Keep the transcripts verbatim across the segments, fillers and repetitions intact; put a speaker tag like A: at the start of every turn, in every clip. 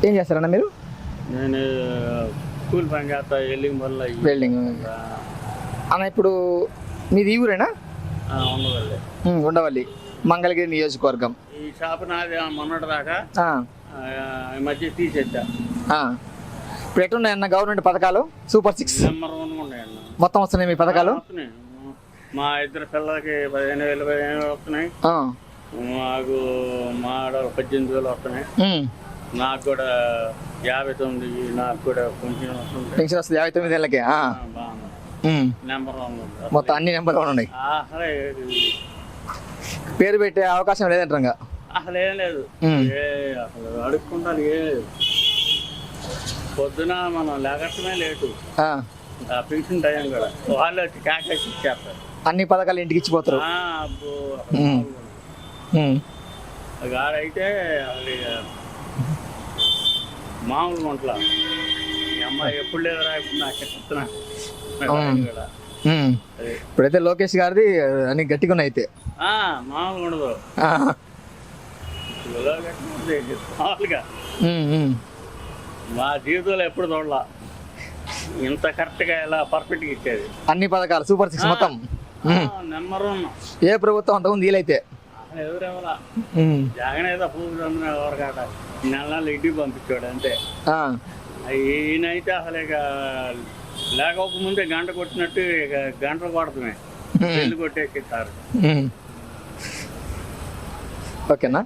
A: ఏం చేస్తారన్న మీరు?
B: నేను స్కూల్ పని చేస్తా, వెల్డింగ్ వల్ల
A: వెల్డింగ్ అన్న. ఇప్పుడు మీది ఈ ఊరేనా?
B: ఉండవల్లి.
A: ఉండవల్లి మంగళగిరి నియోజకవర్గం.
B: ఈ షాప్ నాది మొన్నటి దాకా ఈ మధ్య తీసేద్దా.
A: ఇప్పుడు ఎట్లున్నాయన్న గవర్నమెంట్ పథకాలు? సూపర్ సిక్స్
B: నెంబర్ వన్ ఉన్నాయన్న.
A: మొత్తం వస్తున్నాయి మీ పథకాలు?
B: మా ఇద్దరు పిల్లలకి పదిహేను వేలు పదిహేను వేలు వస్తున్నాయి. మాకు మా ఆడవాళ్ళు పద్దెనిమిది వేలు వస్తున్నాయి. నాకు కూడా యాభై తొమ్మిది నాకు కూడా కొంచెం వస్తుంది.
A: పెన్షన్ వస్తుంది యాభై తొమ్మిది ఏళ్ళకి.
B: నెంబర్ వన్
A: మొత్తం అన్ని నెంబర్ వన్ ఉన్నాయి.
B: అసలే
A: పేరు పెట్టే అవకాశం లేదంటారు.
B: అసలు ఏం లేదు, అసలు అడుక్కుంటాను ఏం లేదు. పొద్దున మనం లేకటమే లేటు, పెన్షన్ టైం కూడా వాళ్ళు వచ్చి క్యాష్ ఇచ్చేస్తారు.
A: అన్ని పథకాలు ఇంటికి ఇచ్చిపోతారు.
B: గాడైతే మామూలు వంటల ఈ అమ్మాయి ఎప్పుడు లేదురా ఇప్పుడు నాకు చెప్తున్నా.
A: ఇప్పుడైతే లోకేష్ గారిది అన్ని గట్టిగా ఉన్నాయి. అయితే
B: మామూలుగా ఉండదు మామూలుగా. మా జీవితంలో ఎప్పుడు చూడాల ఇంత కరెక్ట్ గా ఎలా పర్ఫెక్ట్ గా ఇచ్చేది.
A: అన్ని పథకాలు సూపర్ సిక్స్ మొత్తం
B: నెంబర్ వన్.
A: ఏ ప్రభుత్వం అంతకుముందు వీలైతే
B: ఎవరెవరా జగన్ ఏదో పూజ ఎవరికాట నెల నెలలు ఇంటికి పంపించాడు అంతే. ఈయనైతే అసలు ఇక లేకపోకముందే గంట కొట్టినట్టు ఇక గంటలు కొడతామే పెళ్లి కొట్టేసిస్తారు.
A: ఓకేనా?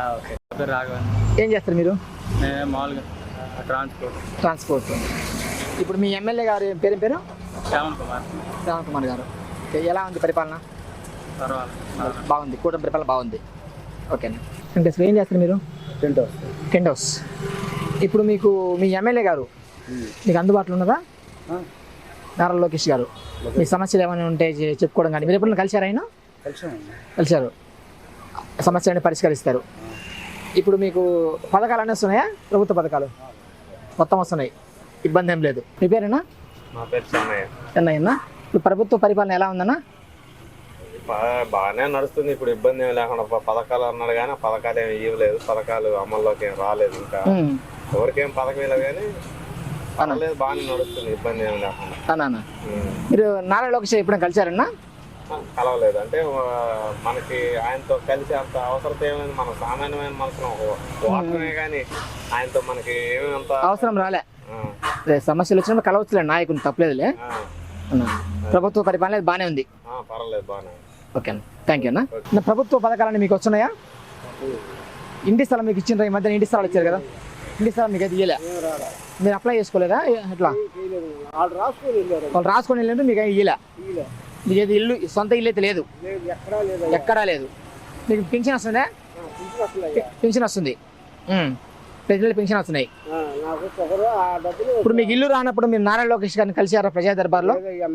A: ఏం చేస్తారు మీరు?
B: మామూలుగా ట్రాన్స్పోర్ట్.
A: ట్రాన్స్పోర్ట్. ఇప్పుడు మీ ఎమ్మెల్యే గారు పేరు పేరు
B: శ్రావణ్ కుమార్.
A: శ్రావణ్ కుమార్ గారు ఎలా ఉంది పరిపాలన? బాగుంది, కూటమి పరిపాలన బాగుంది. ఓకేనా? అంటే ఏం చేస్తారు మీరు?
B: Tent house.
A: Tent house. ఇప్పుడు మీకు మీ ఎమ్మెల్యే గారు మీకు అందుబాటులో ఉన్నదా? నారా లోకేష్ గారు మీ సమస్యలు ఏమైనా ఉంటే చెప్పుకోవడం కానీ మీరు ఎప్పుడైనా కలిశారు? ఆయన కలిశారు, సమస్యలని పరిష్కరిస్తారు. ఇప్పుడు మీకు పథకాలు అన్నీ వస్తున్నాయా? ప్రభుత్వ పథకాలు మొత్తం వస్తున్నాయి, ఇబ్బంది ఏం లేదు. మీ పేరేనా?
C: మా పేరు చెన్నయ్య.
A: చెన్నయ్యన్నా. ఇప్పుడు ప్రభుత్వ పరిపాలన ఎలా ఉందన్నా?
C: బాగానే నడుస్తుంది, ఇప్పుడు ఇబ్బంది ఏమి లేకుండా. పథకాలు అన్నాడు కానీ పథకాలు ఏమి ఇవ్వలేదు, పథకాలు అమల్లోకి ఏం రాలేదు. ఇంకా ఎవరికేం పథకం లేదు కానీ పర్వాలేదు, బాగానే నడుస్తుంది, ఇబ్బంది ఏమి లేకుండా.
A: మీరు నారా లోకేష్ ఎప్పుడైనా కలిశారన్నా?
C: కలవలేదు. అంటే మనకి ఆయనతో కలిసి అంత అవసరం ఏమైంది, మన సామాన్యమైన మనసులో ఓటమే కానీ ఆయనతో మనకి ఏమి అంత
A: అవసరం రాలే. సమస్యలు వచ్చినప్పుడు కలవచ్చులే, నాయకుని తప్పలేదులే. ప్రభుత్వ పరిపాలన బాగానే ఉంది.
C: పర్వాలేదు, బాగానే.
A: ఓకే అన్న, థ్యాంక్ యూ అన్న. ప్రభుత్వ పథకాలన్నీ మీకు వస్తున్నాయా? ఇంటి స్థలం మీకు ఇచ్చిండ్రా? ఈ మధ్యన ఇంటి స్థలాలు ఇచ్చారు కదా, ఇంటి స్థలం మీకు అయితే ఇయ్యలే? మీరు అప్లై చేసుకోలేదా? ఎట్లా వాళ్ళు రాసుకొని వెళ్ళినట్టు మీకు ఇయ్యలే? మీకు ఏది ఇల్లు సొంత ఇల్లు అయితే లేదు, ఎక్కడా లేదు. మీకు పెన్షన్ వస్తుందా? పెన్షన్ వస్తుంది, ప్రజలు పెన్షన్ వస్తున్నాయి. ఇప్పుడు మీకు ఇల్లు రానప్పుడు మీరు నారా లోకేష్ గారిని కలిసారా ప్రజా దర్బార్లో?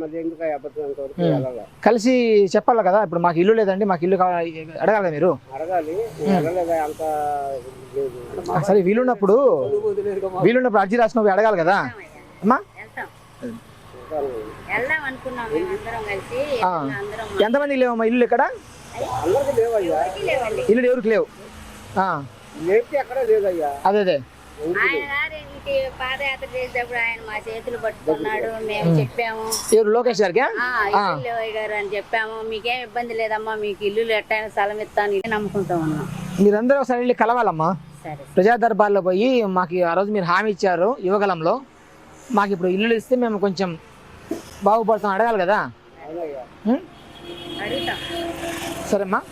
A: కలిసి చెప్పాలి కదా, ఇప్పుడు మాకు ఇల్లు లేదండి, మాకు ఇల్లు కావాలి అడగాలి మీరు. సరే, వీలున్నప్పుడు వీలున్నప్పుడు అర్జీ రాసుకున్నప్పుడు అడగాలి కదా అమ్మా. ఎంతమందికి లేవమ్మా ఇల్లు ఇక్కడ? ఇల్లు ఎవరికి లేవు? అదే అదే
D: పాదయాత్ర చేసేటప్పుడు ఆయన మా చేతులు పట్టుకున్నాడు, మేము చెప్పాము
A: లోకేష్ గారికి
D: గారు అని చెప్పాము, మీకేం ఇబ్బంది లేదమ్మా, మీకు ఇల్లు ఎట్టైనా స్థలం ఇస్తాను నమ్ముకుంటా ఉన్నాం.
A: మీరందరూ ఒకసారి వెళ్ళి కలవాలమ్మా ప్రజా దర్బార్లో పోయి. మాకు ఆ రోజు మీరు హామీ ఇచ్చారు యువగలంలో, మాకు ఇప్పుడు ఇల్లు ఇస్తే మేము కొంచెం బాగుపడతాం అడగాలి కదా. సరేమ్మా.